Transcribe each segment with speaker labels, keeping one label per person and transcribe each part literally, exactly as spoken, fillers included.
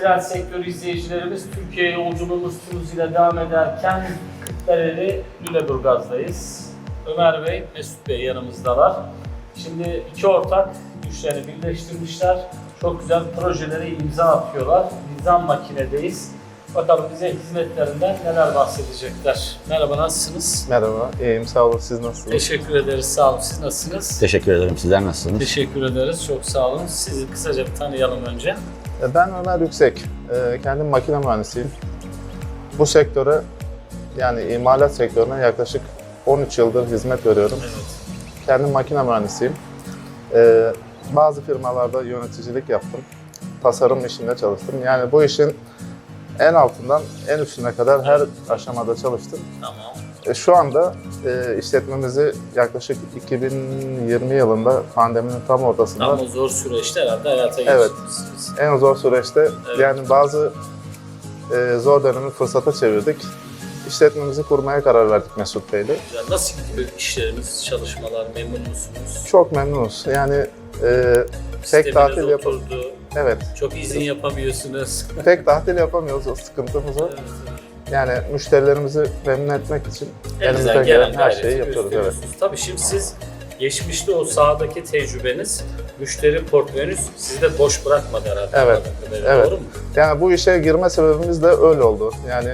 Speaker 1: Metal sektörü izleyicilerimiz, Türkiye yolculuğumuz tüm hızıyla devam ederken Kırklareli Lüleburgaz'dayız. Ömer Bey, Mesut Bey yanımızdalar. Şimdi iki ortak güçlerini birleştirmişler. Çok güzel projelere imza atıyorlar. Nizam Makine'deyiz. Bakalım bize hizmetlerinden neler bahsedecekler. Merhaba, nasılsınız?
Speaker 2: Merhaba, iyiyim. Sağ olun. Siz nasılsınız?
Speaker 1: Teşekkür ederiz, sağ olun. Siz nasılsınız?
Speaker 3: Teşekkür ederim. Sizler nasılsınız?
Speaker 1: Teşekkür ederiz, çok sağ olun. Sizi kısaca bir tanıyalım önce.
Speaker 2: Ben Ömer Yüksek. Kendim makine mühendisiyim. Bu sektöre, yani imalat sektörüne yaklaşık on üç yıldır hizmet veriyorum.
Speaker 1: Evet.
Speaker 2: Kendim makine mühendisiyim. Bazı firmalarda yöneticilik yaptım. Tasarım işinde çalıştım. Yani bu işin en altından en üstüne kadar her aşamada çalıştım.
Speaker 1: Tamam.
Speaker 2: Şu anda işletmemizi yaklaşık iki bin yirmi yılında pandeminin tam ortasında...
Speaker 1: Tam o zor süreçte herhalde hayata
Speaker 2: Evet.
Speaker 1: geçirmişsiniz.
Speaker 2: En zor süreçte
Speaker 1: Evet.
Speaker 2: yani bazı e, zor dönemi fırsata çevirdik. İşletmemizi kurmaya karar verdik Mesut Bey'le.
Speaker 1: Güzel. Nasıl gidiyor işleriniz, çalışmalar, memnun musunuz?
Speaker 2: Çok memnunuz. Yani e, tek
Speaker 1: Sisteminiz
Speaker 2: tatil yap
Speaker 1: oturdu,
Speaker 2: evet,
Speaker 1: çok izin yapamıyorsunuz.
Speaker 2: tek tatil yapamıyoruz, o sıkıntımız o.
Speaker 1: Evet.
Speaker 2: Yani müşterilerimizi memnun etmek için
Speaker 1: Elinizden
Speaker 2: elimizden gelen her
Speaker 1: gayreti
Speaker 2: şeyi yapıyoruz. Evet.
Speaker 1: gösteriyorsunuz. Tabii şimdi siz geçmişte o sahadaki tecrübeniz, müşteri portföyünüz sizi de boş bırakmadı herhalde.
Speaker 2: Evet,
Speaker 1: anladığım kadarıyla,
Speaker 2: evet.
Speaker 1: Doğru mu?
Speaker 2: Yani bu işe girme sebebimiz de öyle oldu. Yani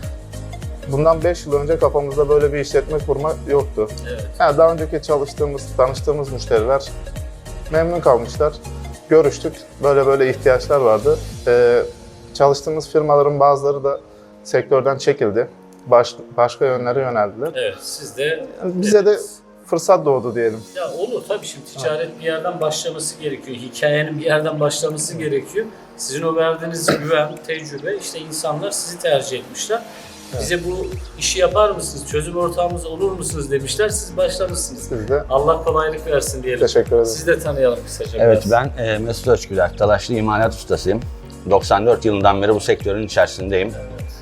Speaker 2: bundan beş yıl önce kafamızda böyle bir işletme kurma yoktu.
Speaker 1: Evet.
Speaker 2: Yani daha önceki çalıştığımız, tanıştığımız müşteriler memnun kalmışlar. Görüştük, böyle böyle ihtiyaçlar vardı. Ee, çalıştığımız firmaların bazıları da sektörden çekildi. Baş, başka yönlere yöneldiler.
Speaker 1: Evet, siz de...
Speaker 2: Yani bize de
Speaker 1: Evet.
Speaker 2: fırsat doğdu diyelim.
Speaker 1: Ya olur tabii, şimdi ticaret bir yerden başlaması gerekiyor. Hikayenin bir yerden başlaması gerekiyor. Sizin o verdiğiniz güven, tecrübe, işte insanlar sizi tercih etmişler. Bize bu işi yapar mısınız, çözüm ortağımız olur musunuz demişler, siz başlamışsınız.
Speaker 2: Siz de
Speaker 1: Allah kolaylık versin diyelim.
Speaker 2: teşekkür ederim.
Speaker 1: Sizi de tanıyalım kısaca
Speaker 3: Evet,
Speaker 1: biraz.
Speaker 3: ben e, Mesut Özgüler, Talaşlı imalat ustasıyım. doksan dört yılından beri bu sektörün içerisindeyim.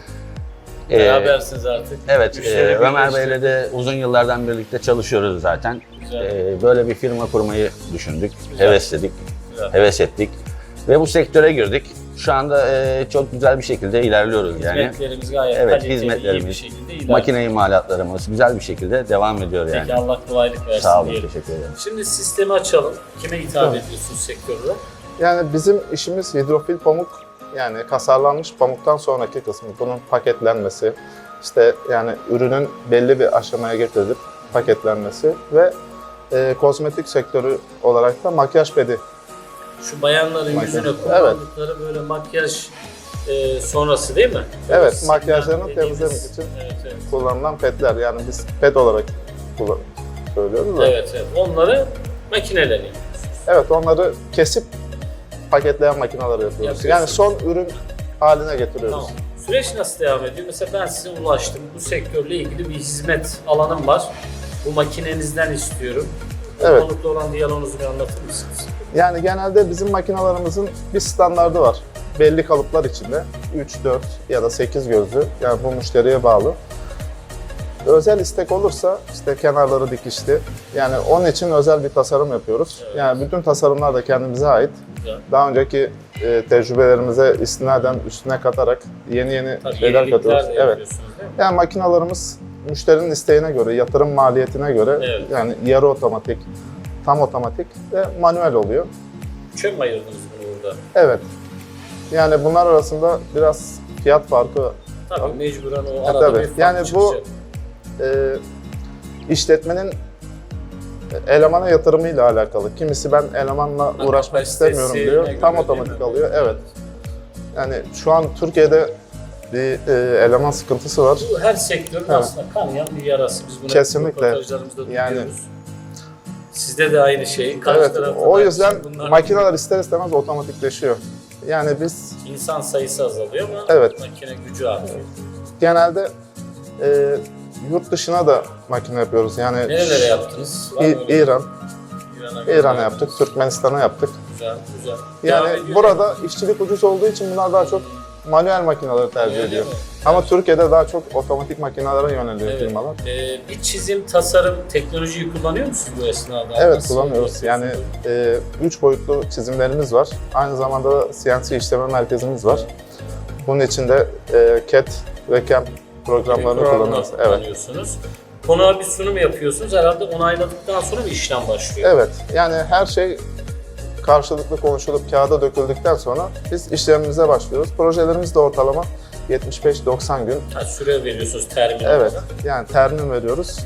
Speaker 1: Evet.
Speaker 3: Ee,
Speaker 1: Berabersiniz artık.
Speaker 3: Evet,
Speaker 1: Müşteri
Speaker 3: e, Ömer
Speaker 1: birleşti.
Speaker 3: Bey'le de uzun yıllardan birlikte çalışıyoruz zaten.
Speaker 1: Güzel.
Speaker 3: E, böyle bir firma kurmayı düşündük,
Speaker 1: Güzel.
Speaker 3: hevesledik,
Speaker 1: Güzel.
Speaker 3: heves ettik. Ve bu sektöre girdik. Şu anda e, çok güzel bir şekilde ilerliyoruz yani.
Speaker 1: Hizmetlerimiz gayet
Speaker 3: Evet,
Speaker 1: kaliteli,
Speaker 3: hizmetlerimiz,
Speaker 1: iyi bir şekilde ilerliyor.
Speaker 3: Makine imalatlarımız güzel bir şekilde devam ediyor yani.
Speaker 1: Peki, Allah kolaylık versin
Speaker 3: Sağ olun,
Speaker 1: diyelim.
Speaker 3: teşekkür ederim.
Speaker 1: Şimdi sistemi açalım. Kime hitap
Speaker 2: Tamam.
Speaker 1: ediyorsunuz sektörde?
Speaker 2: Yani bizim işimiz hidrofil pamuk, yani kasarlanmış pamuktan sonraki kısmı. Bunun paketlenmesi, işte yani ürünün belli bir aşamaya getirilip paketlenmesi ve e, kozmetik sektörü olarak da makyaj pedi.
Speaker 1: Şu bayanların
Speaker 2: Makyaj.
Speaker 1: yüzüne kullandıkları böyle makyaj e, sonrası değil mi?
Speaker 2: Evet,
Speaker 1: Sizin
Speaker 2: makyajlarını
Speaker 1: dediğimiz-
Speaker 2: temizlemek için
Speaker 1: Evet, evet.
Speaker 2: kullanılan pedler. Yani biz ped olarak kullan söylüyoruz da.
Speaker 1: Evet, evet. Onları makineleniyor.
Speaker 2: Evet, onları kesip paketleyen makineler yapıyoruz.
Speaker 1: Yapıyorsunuz.
Speaker 2: Yani son ürün haline getiriyoruz.
Speaker 1: Tamam. Süreç nasıl devam ediyor? Mesela ben size ulaştım. Bu sektörle ilgili bir hizmet alanım var. Bu makinenizden istiyorum.
Speaker 2: Evet.
Speaker 1: Ortalıkta olan diyaloğunuzu bir anlatır mısınız?
Speaker 2: Yani genelde bizim makinalarımızın bir standardı var. Belli kalıplar içinde. üç, dört ya da sekiz gözlü. Yani bu müşteriye bağlı. Özel istek olursa işte kenarları dikişli. Yani onun için özel bir tasarım yapıyoruz.
Speaker 1: Evet.
Speaker 2: Yani bütün tasarımlar da kendimize ait.
Speaker 1: Güzel.
Speaker 2: Daha önceki e, tecrübelerimize istinaden üstüne katarak yeni yeni
Speaker 1: Tabii
Speaker 2: şeyler
Speaker 1: yenilikler
Speaker 2: katıyoruz.
Speaker 1: de
Speaker 2: Evet.
Speaker 1: yapıyorsunuz değil mi?
Speaker 2: Yani makinalarımız müşterinin isteğine göre, yatırım maliyetine göre
Speaker 1: Evet.
Speaker 2: yani yarı otomatik, tam otomatik ve manuel oluyor.
Speaker 1: Üçe mi ayırdınız bunu burada?
Speaker 2: Evet. Yani bunlar arasında biraz fiyat farkı.
Speaker 1: Tabii
Speaker 2: Tabii.
Speaker 1: mecburen o
Speaker 2: E,
Speaker 1: arada
Speaker 2: tabii.
Speaker 1: bir fark
Speaker 2: Yani bu
Speaker 1: çıkacak.
Speaker 2: e, işletmenin elemana yatırımıyla alakalı. Kimisi ben elemanla uğraşmak
Speaker 1: Kapasitesi
Speaker 2: istemiyorum diyor.
Speaker 1: ne
Speaker 2: Tam
Speaker 1: göre
Speaker 2: otomatik
Speaker 1: değil mi?
Speaker 2: alıyor. Evet. Yani şu an Türkiye'de bir e, eleman sıkıntısı var.
Speaker 1: Bu her sektörün
Speaker 2: Evet.
Speaker 1: aslında kanayan bir yarası. Biz bunu
Speaker 2: Kesinlikle.
Speaker 1: röportajlarımızda
Speaker 2: Yani-
Speaker 1: duyuyoruz. Sizde de aynı şey. Karşı
Speaker 2: Evet.
Speaker 1: tarafta
Speaker 2: O
Speaker 1: da
Speaker 2: yüzden
Speaker 1: aynı şey. Bunlar-
Speaker 2: makineler ister istemez otomatikleşiyor. Yani biz
Speaker 1: İnsan sayısı azalıyor ama
Speaker 2: Evet.
Speaker 1: makine gücü artıyor.
Speaker 2: genelde e, yurt dışına da makine yapıyoruz. Yani
Speaker 1: Nerelere yaptınız? Var mı
Speaker 2: İ-
Speaker 1: öyle?
Speaker 2: İran,
Speaker 1: İran'a
Speaker 2: İran'a
Speaker 1: gönderdiniz.
Speaker 2: yaptık, Türkmenistan'a yaptık.
Speaker 1: Güzel, güzel. Devam
Speaker 2: Yani
Speaker 1: ediyor.
Speaker 2: burada işçilik ucuz olduğu için bunlar daha çok manuel makineleri tercih
Speaker 1: Öyle
Speaker 2: ediyor.
Speaker 1: mi?
Speaker 2: Ama Türkiye'de daha çok otomatik makinelere yöneliyor
Speaker 1: Evet.
Speaker 2: firmalar.
Speaker 1: Ee, bir çizim, tasarım, teknolojiyi kullanıyor musunuz bu esnada?
Speaker 2: Evet,
Speaker 1: Nasıl
Speaker 2: kullanıyoruz. Yani
Speaker 1: yapıyorsunuz?
Speaker 2: e, üç boyutlu çizimlerimiz var. Aynı zamanda da C N C işleme merkezimiz var. Bunun için de e, C A D ve C A M programlarını
Speaker 1: Programlar
Speaker 2: kullanıyoruz. Evet.
Speaker 1: kullanıyorsunuz. Konuğa bir sunum yapıyorsunuz. Herhalde onayladıktan sonra bir işlem başlıyor.
Speaker 2: Evet. Yani her şey karşılıklı konuşulup kağıda döküldükten sonra biz işlemimize başlıyoruz. Projelerimiz de ortalama yetmiş beş doksan gün.
Speaker 1: Ha, süre veriyorsunuz termin
Speaker 2: Evet.
Speaker 1: olarak.
Speaker 2: Yani termin veriyoruz.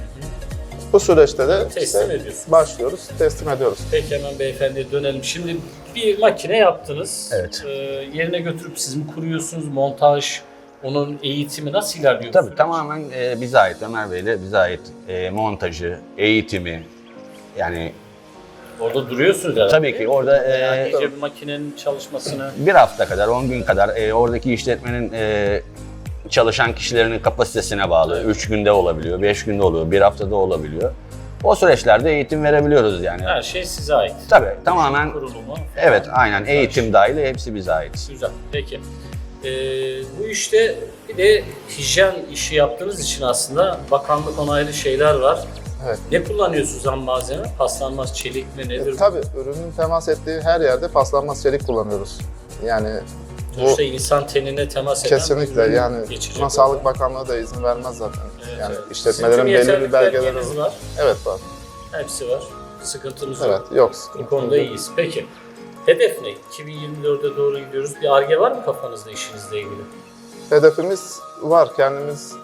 Speaker 2: Bu süreçte de
Speaker 1: Teslim
Speaker 2: işte
Speaker 1: ediyorsunuz.
Speaker 2: başlıyoruz, teslim ediyoruz.
Speaker 1: Peki hemen beyefendiye dönelim. Şimdi bir makine yaptınız.
Speaker 3: Evet.
Speaker 1: Ee, yerine götürüp siz mi kuruyorsunuz? Montaj, onun eğitimi nasıl ilerliyor?
Speaker 3: Tabii tamamen e, bize ait, Ömer Bey'le bize ait e, montajı, eğitimi, yani
Speaker 1: Orada duruyorsunuz herhalde.
Speaker 3: tabii ki orada e,
Speaker 1: Yani iyice bir makinenin çalışmasını...
Speaker 3: bir hafta kadar, on gün kadar e, oradaki işletmenin e, çalışan kişilerin kapasitesine bağlı. Üç günde olabiliyor, beş günde oluyor, bir haftada olabiliyor. O süreçlerde eğitim verebiliyoruz yani.
Speaker 1: Her şey size ait.
Speaker 3: Tabii tamamen,
Speaker 1: Kurulumu.
Speaker 3: evet aynen eğitim dahil hepsi bize ait.
Speaker 1: Güzel. Peki. Ee, bu işte bir de hijyen işi yaptığınız için aslında bakanlık onaylı şeyler var.
Speaker 2: Evet.
Speaker 1: Ne kullanıyorsunuz ham malzeme? Paslanmaz çelik mi nedir?
Speaker 2: E, tabii ürünün temas ettiği her yerde paslanmaz çelik kullanıyoruz. Yani bu
Speaker 1: Sonuçta insan tenine temas eden
Speaker 2: kesinlikle
Speaker 1: ürün
Speaker 2: yani
Speaker 1: geçecek
Speaker 2: buna
Speaker 1: olan.
Speaker 2: Sağlık Bakanlığı da izin vermez zaten.
Speaker 1: Evet,
Speaker 2: yani
Speaker 1: evet.
Speaker 2: işletmelerin
Speaker 1: Sizin
Speaker 2: belli bir
Speaker 1: yeterli
Speaker 2: belgeleri
Speaker 1: belgeniz
Speaker 2: var.
Speaker 1: var.
Speaker 2: Evet var.
Speaker 1: Hepsi var. Sıkıntımız
Speaker 2: Evet,
Speaker 1: yok.
Speaker 2: yok.
Speaker 1: Bu konuda iyiyiz. Peki. Hedef ne? iki bin yirmi dörde doğru gidiyoruz. Bir Ar-Ge var mı kafanızda işinizle ilgili?
Speaker 2: Hedefimiz var. Kendimiz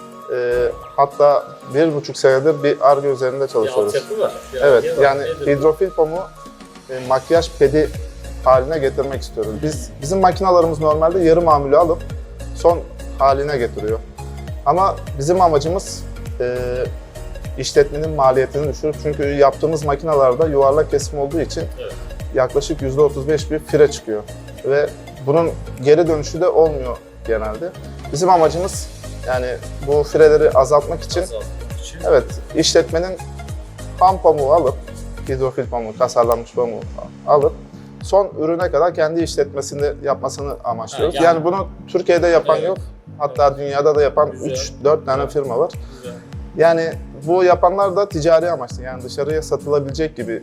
Speaker 2: e, hatta bir buçuk senedir bir Ar-Ge üzerinde
Speaker 1: Bir
Speaker 2: çalışıyoruz.
Speaker 1: altyapı var. Bir
Speaker 2: Evet,
Speaker 1: Ar-Ge var.
Speaker 2: yani
Speaker 1: Nedir bu?
Speaker 2: hidrofil pamuğu e, makyaj pedi haline getirmek istiyoruz. Biz bizim makinalarımız normalde yarı mamülü alıp son haline getiriyor. Ama bizim amacımız e, işletmenin maliyetini düşürüp çünkü yaptığımız makinalarda yuvarlak kesim olduğu için
Speaker 1: Evet.
Speaker 2: yaklaşık yüzde otuz beş bir fire çıkıyor ve bunun geri dönüşü de olmuyor genelde. Bizim amacımız yani bu fireleri azaltmak için
Speaker 1: Azaltmak için.
Speaker 2: evet işletmenin ham pamuğu alıp hidrofil pamuğu, kasarlanmış pamuğu alıp son ürüne kadar kendi işletmesinde yapmasını amaçlıyoruz.
Speaker 1: Ha,
Speaker 2: yani,
Speaker 1: yani-
Speaker 2: bunu Türkiye'de yapan
Speaker 1: Evet.
Speaker 2: yok. Hatta dünyada da yapan
Speaker 1: Güzel.
Speaker 2: üç dört tane firma var.
Speaker 1: Güzel.
Speaker 2: Yani bu yapanlar da ticari amaçlı. Yani dışarıya satılabilecek gibi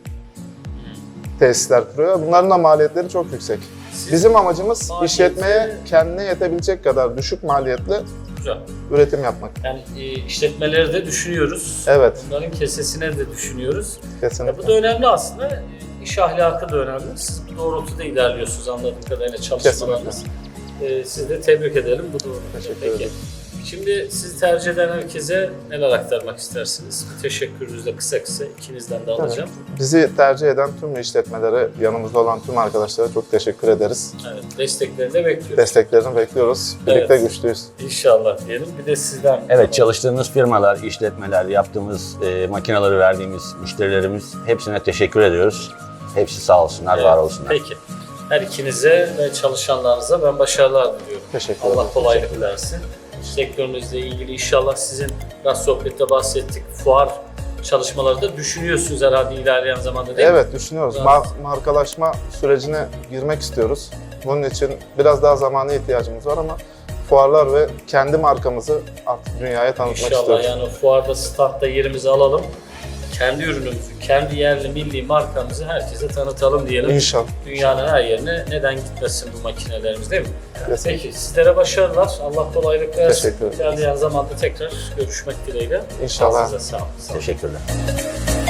Speaker 2: tesisler kuruyor. Bunların da maliyetleri çok yüksek.
Speaker 1: Siz-
Speaker 2: Bizim amacımız
Speaker 1: Maliyeti-
Speaker 2: işletmeye kendine yetebilecek kadar düşük maliyetli
Speaker 1: Güzel.
Speaker 2: üretim yapmak.
Speaker 1: Yani e, işletmeleri de düşünüyoruz.
Speaker 2: Evet,
Speaker 1: Bunların kesesine de düşünüyoruz. Ya
Speaker 2: kesinlikle.
Speaker 1: bu da önemli aslında. E, İş ahlakı da önemli. Siz bu doğrultuda ilerliyorsunuz anladığım kadarıyla çalışmalarınız. E, sizi de tebrik edelim bu doğrultuda.
Speaker 2: Teşekkür
Speaker 1: Peki.
Speaker 2: ederim.
Speaker 1: Şimdi sizi tercih eden herkese neler aktarmak istersiniz? Bir teşekkürünüzü de kısa kısa ikinizden de alacağım.
Speaker 2: Bizi tercih eden tüm işletmelere, yanımızda olan tüm arkadaşlara çok teşekkür ederiz.
Speaker 1: Evet, desteklerini de bekliyoruz.
Speaker 2: Desteklerini bekliyoruz. Birlikte
Speaker 1: Evet.
Speaker 2: güçlüyüz.
Speaker 1: İnşallah diyelim. Bir de sizden.
Speaker 3: Evet, çalıştığımız firmalar, işletmeler, yaptığımız e, makinaları verdiğimiz müşterilerimiz hepsine teşekkür ediyoruz. Hepsi sağ olsunlar,
Speaker 1: Evet,
Speaker 3: var olsunlar.
Speaker 1: Peki. Her ikinize ve çalışanlarınıza ben başarılar diliyorum.
Speaker 2: Teşekkür ederim.
Speaker 1: Allah kolaylık versin. Sektörünüzle ilgili inşallah sizin biraz sohbette bahsettik. Fuar çalışmaları da düşünüyorsunuz herhalde ilerleyen zamanda değil mi?
Speaker 2: Evet, düşünüyoruz.
Speaker 1: Biraz-
Speaker 2: Mar- markalaşma sürecine girmek istiyoruz. Bunun için biraz daha zamana ihtiyacımız var ama fuarlar ve kendi markamızı artık dünyaya tanıtmak
Speaker 1: İnşallah
Speaker 2: istiyoruz.
Speaker 1: yani fuarda, standta yerimizi alalım. Kendi ürünümüzü, kendi yerli milli markamızı herkese tanıtalım diyelim.
Speaker 2: İnşallah.
Speaker 1: Dünyanın her yerine neden gitmesin bu makinelerimiz değil mi?
Speaker 2: Kesinlikle.
Speaker 1: Peki sizlere başarılar. Allah kolaylık versin.
Speaker 2: Teşekkür ederim.
Speaker 1: İlerleyen zamanda tekrar görüşmek dileğiyle.
Speaker 2: İnşallah.
Speaker 1: Size sağ olun. Sağ olun.
Speaker 3: Teşekkürler.